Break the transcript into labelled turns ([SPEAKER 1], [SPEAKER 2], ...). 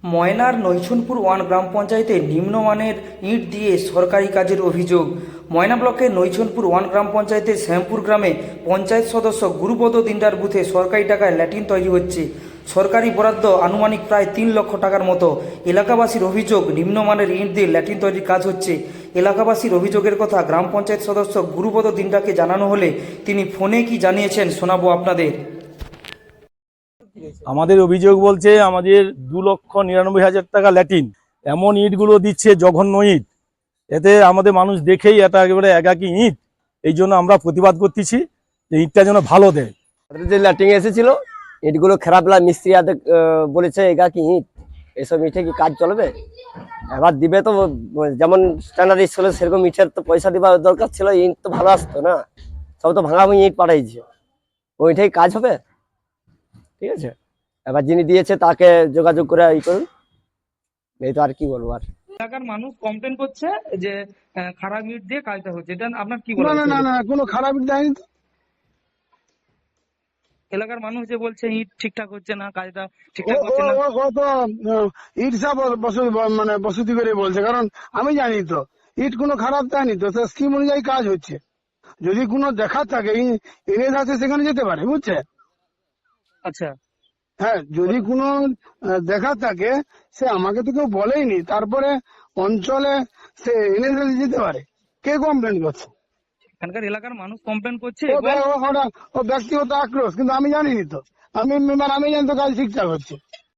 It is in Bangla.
[SPEAKER 1] ময়নার নৈছনপুর ওয়ান গ্রাম পঞ্চায়েতে নিম্নমানের ইট দিয়ে সরকারি কাজের অভিযোগ। ময়না ব্লকের নৈছনপুর ওয়ান গ্রাম পঞ্চায়েতের শ্যামপুর গ্রামে পঞ্চায়েত সদস্য গুরুপদ দিনদার বুথে সরকারি টাকায় ল্যাট্রিন তৈরি হচ্ছে। সরকারি বরাদ্দ আনুমানিক প্রায় 3 লক্ষ টাকার মতো। এলাকাবাসীর অভিযোগ, নিম্নমানের ইট দিয়ে ল্যাট্রিন তৈরির কাজ হচ্ছে। এলাকাবাসীর অভিযোগের কথা গ্রাম পঞ্চায়েত সদস্য গুরুপদ দিনদারকে জানানো হলে তিনি ফোনে কি জানিয়েছেন শোনাবো আপনাদের।
[SPEAKER 2] আমাদের অভিযোগ বলছে আমাদের 2,99,000 টাকা ল্যাটিন, এমন ইটগুলো দিচ্ছে জঘন্য ইট। এতে আমাদের মানুষ দেখেই এটা একেবারে একাকি ইট। এই জন্য আমরা প্রতিবাদ করতেছি যে ইটটা যেন ভালো দেয়।
[SPEAKER 3] যে ল্যাটিং এসেছিল ইটগুলো খারাপ মিস্ত্রি বলেছে একাকি ইট, এসব ইটে কি কাজ চলবে? এবার দিবে তো যেমন স্ট্যান্ডার্ড স্কুলে সেরকম ইটের তো পয়সা দেওয়ার দরকার ছিল, ইট তো ভালো আসতো না, সব তো ভাঙা ভাঙি ইট পাঠাইছে, ওইটাই কাজ হবে? ঠিক আছে, এবার যিনি দিয়েছে তাকে যোগাযোগ করে ই করুন, এই তো আর কি বলবো। আর
[SPEAKER 1] এলাকার মানুষ কমপ্লেন করছে যে খারাপ ইট দিয়ে কাজটা হচ্ছে, এটা আপনার কি
[SPEAKER 4] না
[SPEAKER 1] বলার?
[SPEAKER 4] না না না কোনো খারাপ ইট দেয়নি তো।
[SPEAKER 1] এলাকার মানুষ যে বলছে ইট ঠিকঠাক হচ্ছে না, কাজটা
[SPEAKER 4] ও
[SPEAKER 1] ঠিকঠাক
[SPEAKER 4] ও
[SPEAKER 1] হচ্ছে না।
[SPEAKER 4] ও ও তো ইট সব মানে বসতি করে বলছে, কারণ আমি জানি তো ইট কোনো খারাপ দেয়নি তো, স্কিম অনুযায়ী কাজ হচ্ছে। যদি কোনো দেখার থাকে ইংরেজ আছে সেখানে যেতে পারে, বুঝছে?
[SPEAKER 1] আচ্ছা,
[SPEAKER 4] হ্যাঁ, যদি কোনো দেখার থাকে সে আমাকে তো কেউ বলেইনি, তারপরে অঞ্চলে সে ইংরেজ যেতে পারে। কে কমপ্লেন করছে?
[SPEAKER 1] এখানকার এলাকার মানুষ কমপ্লেন করছে
[SPEAKER 4] ও
[SPEAKER 1] এবং
[SPEAKER 4] ও ব্যক্তিগত আক্রোশ, কিন্তু আমি জানিনি তো। আমি জানি তো কাজ ঠিকঠাক হচ্ছে।